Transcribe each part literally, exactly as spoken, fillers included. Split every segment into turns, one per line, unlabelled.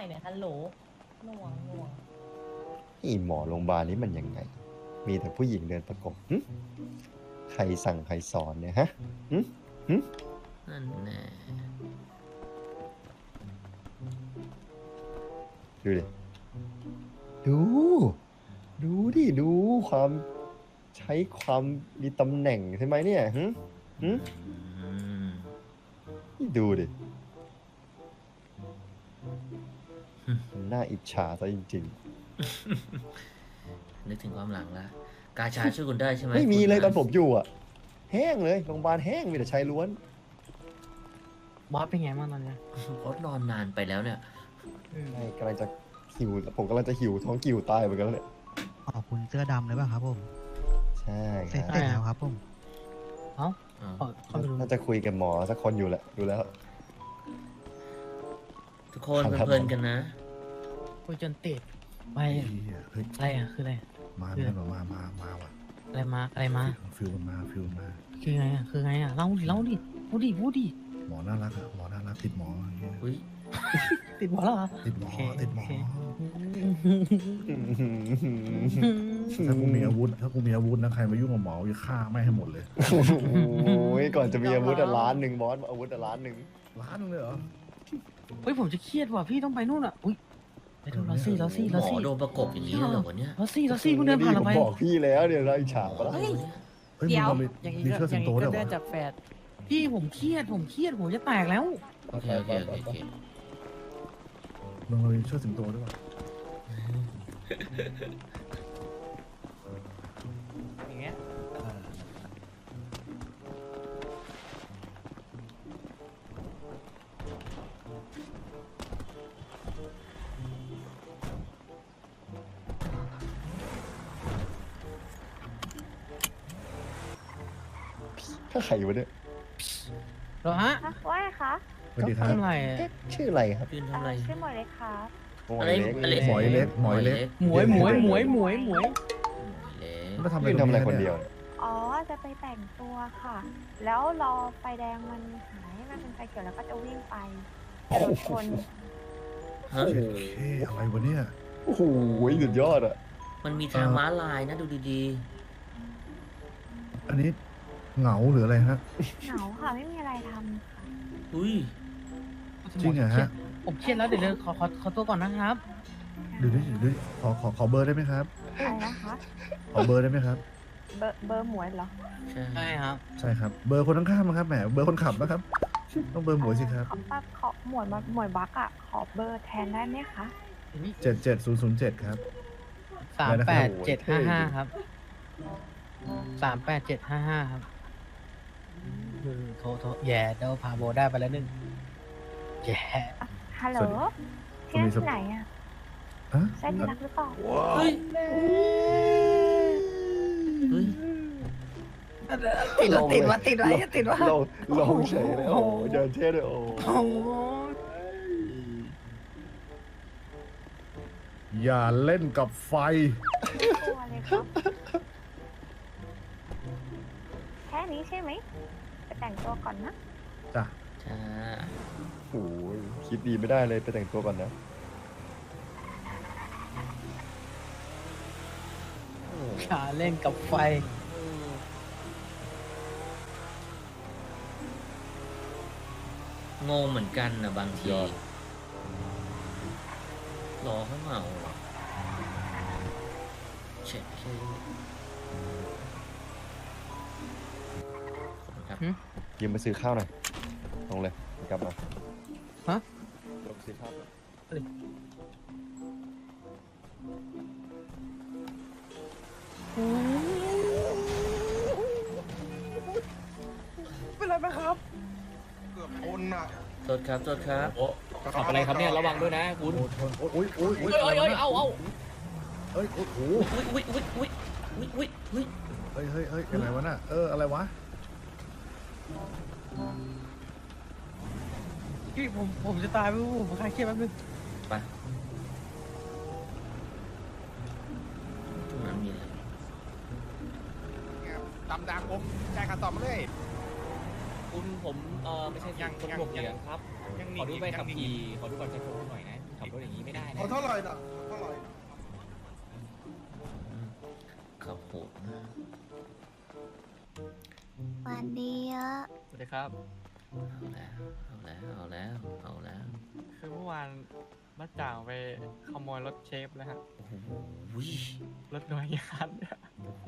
เนี่ยฮัลโหลหน่วงหน่วง
นี่หมอโรงพยาบาลนี้มันยังไง มีแต่ผู้หญิงเดินประกบหึใครสั่งใครสอนเนี่ยฮะหึหึ
นั่นแน่
ดูดิ ดู ดูดิ ดูความใช้ความมีตำแหน่งใช่ไหมเนี่ยหึหึ
อืม
นี่ดูดิ น่าอิจฉาซะจริง
นึกถึงความหลังละกาชาช่วยคุณได้ใช่ไหม
ๆ ไม่มี
คุณ
เลยตอน
นะ
ผมอยู่อ่ะ แห้งเลยโรงพยาบาลแห้งมีแต่ชายล้วน
บอสเป็นไงบ้างตอนเนี้ย
เพราะนอนนานไปแล้วเนี่ย
ใช่กำลังจะหิวผมกำลังจะหิวท้องกิ่วตายเหมือนกันแล้วเนี่ย
ขอบคุณเสื้อดำเลยป่ะครับผม
ใช่ค
เสร็จ
รับ
แล้วครับผม
เอ้า
อ้าว
ขอเข้าไปดู
น่าจะคุยกับหมอสักคนอยู่แหละดูแล้ว
ทุกคน
ครับ
เพลินๆกันนะ
คุยจนติดไป
เฮ้ย
อะไรอ่ะคืออะไร
มาไม่มามามามาว่ะ
อะไรมาอะไรมา
ฟิลมันมาฟิลมันมา
คือไงอ่ะคือไงอ่ะเล่าดิเล่าดิพูดดิพูดดิ
หมอน่ารักอะหมอน่ารักติดหมออย่างเงี้ย
อุ้ย
ติดหัวแล้วเหรอ
ติดหมอ
โอเค
ติดหมอ
โอเค
ถ้ากูมีอาวุธถ้ากูมีอาวุธนะใครมายุ่งกับหมอจะฆ่าไม่ให้หมดเลย
โอ้ยก่อนจะมีอาวุธอะล้านหนึ่งบอสอาวุธอะล้านหนึ่ง
ล้านนึงเลยเหรอ
เฮ้ยผมจะเครียดว่ะพี่ต้องไปนู่นอ่ะอุ้ยไปดูลอซี่ลอซี่
หม
ลอ
อ
ซี่
โดนประกบอย่างนี้เลยเหรอวะเนี่ย
ลอซี่ลอซี่เพิ่งเดินผ่านเรา
ผม
ไป
บอกพี่แล้วเดี๋ยวเราอิจฉาปะล่ะ
เฮ้ย
เฮ้ย
เดี๋ยว
มึงมี
อย่างนี้
มี
ก็
เชือก
อ
สิ
ย่าง ง
โต
นี้
ด้
ก็
วยเหร
ได้
อ
จากแฟดพี่ผมเครียดผมเครียดผมจะแตกแล้ว
โอเคโอเคโอเคโอเค
มึงมีเชือกสิงโตด้วยวะ
อย่างเงี้ย
ถ้าใครวะเนี่ย
เหรอฮะ
อะว่าไงคะ
สวัสดีครับ
ทำไรอะ
เอ๊ะชื่ออะไรครับ
ยืน
เอ่
ทำอะไร
อชื่อหมวยเล็กครับ
โอ้
อะไร
ยเล็ก
อะไร
หมอยเล็กหมอยเล็ก
หมวยหมวยหมวยหมวยหมวย
หมวยเล็ก
มาทำอะไร
ยืน
ตร
ทำ
ง
อะไร
นี้
คน
เนี่
เดีย
ยว
อ๋อ จะไปแต่งตัวค่ะ แล้วรอไฟแดงมันหายให้มันเป็นไฟเขียวแล้วก็จะวิ่งไปแต่รถชน
ฮะ
เฮ้ยอะไรวะเนี่ย
โอ้โหสุดยอดอ่ะ
มันมีทางม้าลายนะดูดี
อันนี้เหงาหรืออะไรฮะ
เหงาค่ะ ไม่มีอะไรทำค่ะ
ๆอุ้ย
จริงเหรอฮะ
ผมเครียดแล้วเดี๋ยวเดี๋ยวขอขอขอตัวก่อนนะครับ
เดี๋ยวดิเดี๋ยวดิขอขอขอเบอร์ได้ไหมครับ
อะไรนะคะ
ขอเบอร์ได้ไหมครับ
เบอร์เบอร์หมวยเหรอ
ใช่
ใช่ครับ
ใช่ครับ เบอร์คนข้างๆนะครับแหมเบอร์คนขับนะครับ ต้องเบอร์หมวยสิครับ
ขอป้าขอหมวยมาหมวยบักอะขอเบอร์แทนได้ไหมคะ
เจ็ดเจ็ดศูนย์ศูนย์เจ็ดครับ
สาม
อะไรนะ
แป
ครับ
ดเจ็ดห้าห้าครับสามแปดเจ็ดห้าห้าครับอืมโทรโทรแย่เดี๋ยวพาโบได้ไปแล้วหนึ่งแย่
ฮัลโหล
สวัสดี
ที่นั่นที่ไหนอะ
ฮะ
ใช่ที่รักหรือเปล่า
เฮ้ยเฮ้ย
ติดวะติดวะติดวะติดวะ
ลงลงเฉยเลยโอ้โหเดินเท่เลยโอ้โห
โอ้โห
อย่าเล่นกับไฟ
ตัวเลยครับ แค่นี้ใช่ไหมไปแต่งตัวก่อนนะ
จ้ะ
จ้า
โอ้โหคิดดีไม่ได้เลยไปแต่งตัวก่อนนะ
ขาเล่นกับไฟ
งงเหมือนกันนะบางที
ยอด
รอเขาเมาเหรอเช็คเคขอบคุณครับ
หึ
ยืมไปซื้อข้าวหน่อยลงเลยกลับมา
ฮะ
ลงซื้อข้าวก่อน
เป็นไรไหมครับ
โทษครับโทษครับ
ขับอะไรครับเนี่ยระวังด้วยนะคุณ
โอ้ยโอ้ยโอ้ย
เอ้ยเอ้ยเอ้ยเอาเอา
เอ้ยโอ้โห
อุ้ยอุ้ยอุ้ยอุ้ยอุ้ยอุ้ยอุ้ย
เฮ้ยเฮ้ยเฮ้ยอะไรวะน่ะเอออะไรวะ
พี่ผมผมจะตายไปผมคลายเครียดแป๊บนึง
ไปตรงนั้นมีอะไร
ดำดังผมจ่ายค่าตอบมาเลย
คุณผมเออไม่ใช่
ยัง
คน
ยัง
บวกเหรียญครับ
ยังห
ขอดู
นี
ใบ
ยั
ขับ
หนี
ขี่ขอดูบัตรประชาชนหน่อยนะขับรถอย่างนี้ไม่ได้นะ
ขอเท่าไหร่น่ะเท่าไหร่
ขับโหดมาก
วันดีอะ
สวัสดีครับ
เอาแล้วเอาแล้วเอาแล้วเอาแล้ว
คือเมื่อวานมาจ่างไปขโมยรถเชฟแล้วฮะ
โอ้โห
รถหน่วยงานเนี่ย
โอ้โห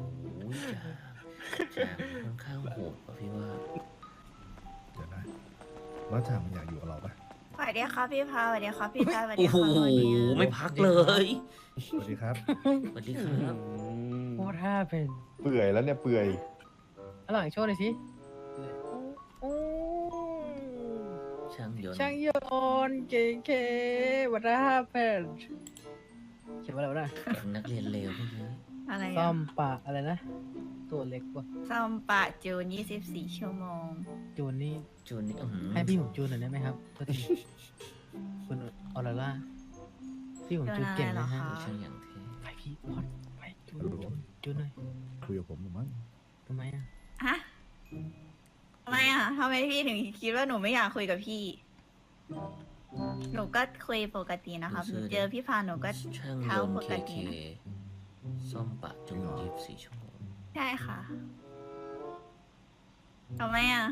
จ่าจ่าค่อนข้างโหดป่ะพี่ว่า
เดี๋ยวนะแล้วจ่ามันอยากอยู่กับเราปะ
สวัสดีครับพี่พาสวัสดีครับพี่ชายสวัสดี
โอ้
ค
โห
รับวันดี
ไม่พักเลย
สวัสดีครับ
สวัสดีครับ
โคตรท่าเป็น
เปื่อยแล้วเนี่ยเปื่อย
อร่อยโชว์เลยสิโอ้
ช่างยนต์
ช่างยนต์เก๋ๆวัดท่าเป็นเขียนว่าอะไรวะนะ
แก๊งนักเรียนเลวพวกนี้
อะไร
ซ่อ
อะ
มปะอะไรนะ ตัวเล็กกว่า
ซ่อมปะจูนยี่สิบสี่ชั่วโมง
จูนนี่
จูนนี่อื้อหือ
ให้พี่ผมจูนหน่อยได้ไหมครับโทษทีคุณออร่าล่าพี่ผมจูนเก่งนะฮะ
จูนอะไรเหรอคะ
ช่างอย่างเท่
ไปพี่พอดไปจูนจูนจูนหน่อย
คุยกับผมหรือมั้ง
ทำไมอ่ะ
ฮะทำไมอ่ะทำไมพี่ถึงคิดว่าหนูไม่อยากคุยกับพี่ หนูก็คุยปกตินะครับหนูเจอพี่พาหนูก็
ช่างย
เท้าน
ต์
ป
เค
กติ
เค
นะ
ซ่อมปะจูนยี่สิบสี่ชั่วโมง
ใช่ค่ะทำไมอ่ะ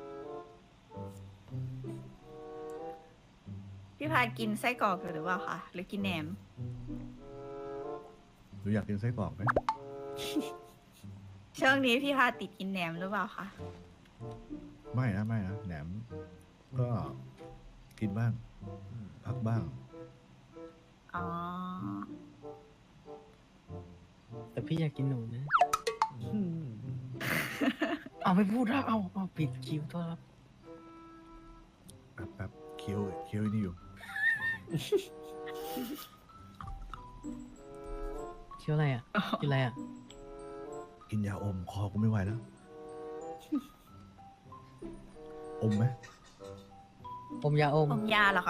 พี่พากินไส้กรอกอยู่หรือเปล่าคะหรือกินแหนม
หนูอยากกินไส้กรอกไหม
ช่วงนี้พี่พาติดกินแหนมหรือเปล่าคะ
ไม่นะไม่นะแหนม ก็กินบ้าง
อืม
พักบ้าง
อ๋อ
แต่พี่อยากกินหนูนะ เอาไม่พูดแล้วเอาเอาปิดคิวโทษครับ
แป๊บแป๊บเคี้ยวเคี้ยวไอ้นี่อยู่
เคี้ยวอะไรอ่ะกินอะไรอ่ะ
กินยาอมคอกูไม่ไหวแล้ว อมไหม
อมยาอม
อมยาเหรอคะ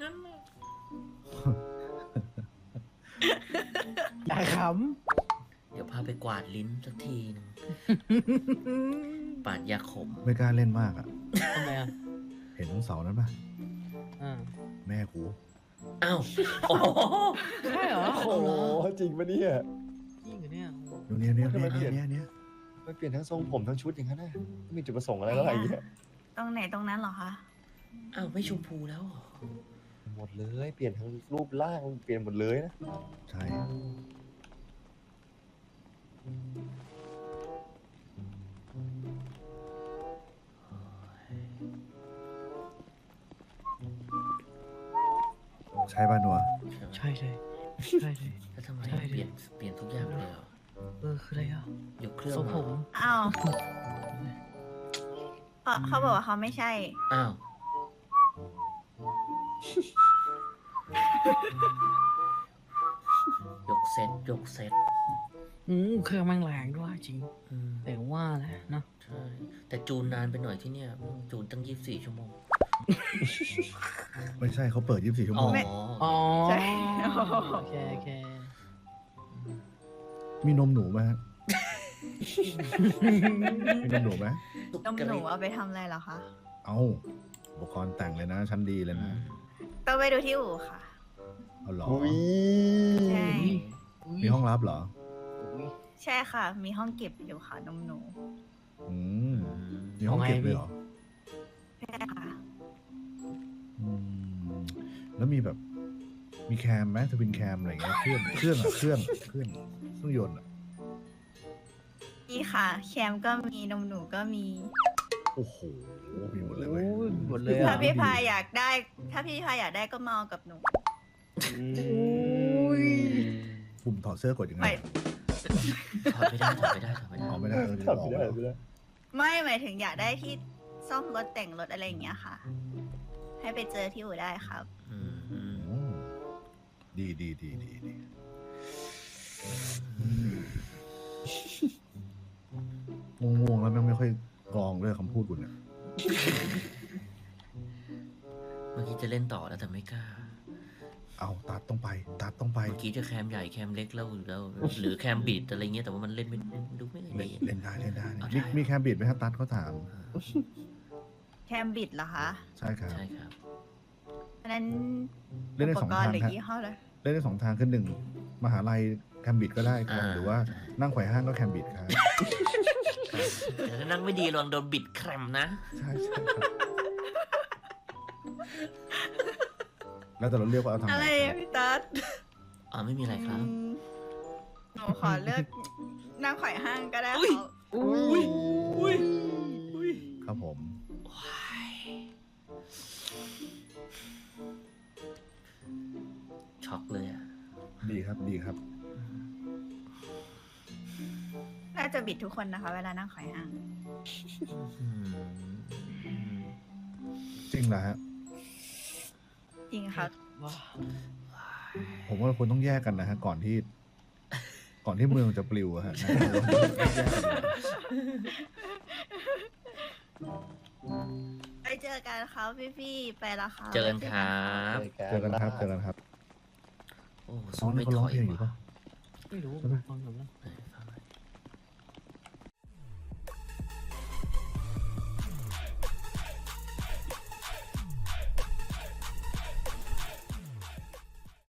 อย่าข
เดี๋ยวพาไปกวาดลิ้นสักทีหนึง
ำ
ปาดยาขม
ไม่กล้าเล่นมากอ่ะ
ทำไมอ่ะ
เห็นทั้งเสานั้นปะ
อ่า
แม่กู
อ้าวโอ้โห
ใช่เหรอ
โอ้โหจริงปะเนี่ย
จริงเหรอเนี่ย
ดูเนี้ยเนี้ย
ทำไม
เนี้ย
เปลี่ยน
เนี้ยเนี้ย
ไม่เปลี่ยนทั้งทรงผมทั้งชุดอย่างนั้นนะไม่มีจุดประสงค์อะไรแล้วอะไรอย่างเงี้ย
ตรงไหนตรงนั้นเหรอคะ
อ้าวไม่ชมพูแล้วเหรอ
หมดเลยเปลี่ยนทั้งรูปร่างเปลี่ยนหมดเลยนะ
ใช่ ใช่ป่ะหนัว
ใช่ไหม
ใช่เลยใช่เลย
แล้วทำไม
ใช่ดิ
เปลี่ยนเปลี่ยนทุกอย่างเลยเหรอ
เออคืออะไรอ่ะ
ยกเครื่อง
ทรง
เห
ผ
รอ
ม
อ้าวเขาเขาบอกว่าเขาไม่ใช่
อ้าว ยกเซตยกเซต
อืมเครื่องแม่งแรงด้วยจริง
อืม
แต่ว่าแหละเนาะ
ใช่ แต่จูนนานไปหน่อยที่เนี่ยอืมจูนตั้งยี่สิบสี่ชั่วโมง
ไม่ใช่เขาเปิดยี่สิบสี่ชั่ว
อ๋
โม
อ
ง
ไม่
อ๋อ
ใช่
โอเคโอเค
มีนมหนูไหมฮะ มีนมหนูไหม
นมหนูเอาไปทำอะไรเหรอคะ
เอาอุปกรณ์แต่งเลยนะ ชั้นดีเลย
อื
นะ
ม
ต้องไปดูที่อู่ค่ะ
เอาเหรอ
อุ้ย
ใช่
มีห้องรับเหรอ
ใช่ค่ะ มีห้องเก็บอยู่ค่ะนมหนู
อืม
อืม
มีห้องเก็บเลยเหรอ
ใช่ค่ะ
อืมแล้วมีแบบ มีแคมไหมทวินแคมอะไรเงี้ย เครื่อง เครื่องอะเครื่อง เครื่อง เครื่องยนต์อะ
นี่ค่ะ แคมก็มีนมหนูก็มี
โอ้โห มีหมดเลย
โอ้
เว้ย
ยหมดเลย
ถ้า
อ่ะ
พี่พายอยากได้ ถ้าพี่พายอยากได้ก็มาเอากับหนู
ปุ่มถอดเสื้อกดยังไง
ไม่
ถอดไม่ได้ถอดไม่ได้ถอดไม่ได้
ออกไม่ได้เออ
ทำไม่ได้ไม่ได้
ไม่หมายถึงอยากได้ที่ซ่อมรถแต่งรถอะไรอย่างเงี้ยค่ะ ให้ไปเจอที่อู่ได้ครับ
อืมอืม
อืมดีดีดีดีดีง่วงๆแล้วแม่งไม่ค่อยกรองด้วยคำพูดคุณเนี่ย
เมื่อกี้จะเล่นต่อแล้วแต่ไม่กล้า
เอาตัดต้องไป ตัดต้องไป
เมื่อกี้จะแคมใหญ่แคมเล็กแล้วแล้ว หรือแคมบีดอะไรเงี้ยแต่ว่ามันเล่นไม่ดูไม่
เล่
ละ
น
เอียด
เล่นได้เล่นได้
เอา
มี
ได้
มีแคมบิดไหมครับตัดเขาถาม
แคมบิดเหรอคะ
ใช่ครับ
ใช่ครับ
ด
อันนั้น
เล่นได้
อุ
ส
ป
อง
กร
ทา
ณ์
ง
หรือ
ครับ
ยี่ห้อเลย
เล่นได้สองทางคือหนึ่งมหาลัยแคมบิดก็ได้ครับ
อ่า
หรือว่านั่งไขว่ห้างก็แคมบิดครับ
แต่ถ้านั่งไม่ดีระวังโดนบิดแครมนะ
ใช่ใช่ครับ แล้วแต่เราเรียกว่าเอาทางไหน
อะไร
ครั
อะ
บ
พี่ตั๊ด
อ๋อไม่มีอะไรครับ
อืมหนูขอเลือกนั่งไขว่ห้างก็ได้
อุ๊ย
ครับ
อุ้ย
อุ้ย
ครับผม
ช็อกเลยอ่ะ
ดีครับดีครับ
น่าจะบิดทุกคนนะคะ เวลานั่งไขว่ห้าง
อืม
จริงเหรอฮะ
จริงครับ
ผมว่าเราควรต้องแยกกันนะฮะก่อนที่ ก่อนที่เมืองจะปลิวอะฮะ
ไปเจอกันครับพี่ๆไปละครับ
เจอกันครับ
เจอกันครับเจอกันครับ
โอ้
น้อ
สู้
งนี่
ไม่
เขา
ถ
ร้อง
อย
เพลงอยู่
ว่ะ
ปะ
ไม่รู้ฟังหนูนะ
ไหนฟัง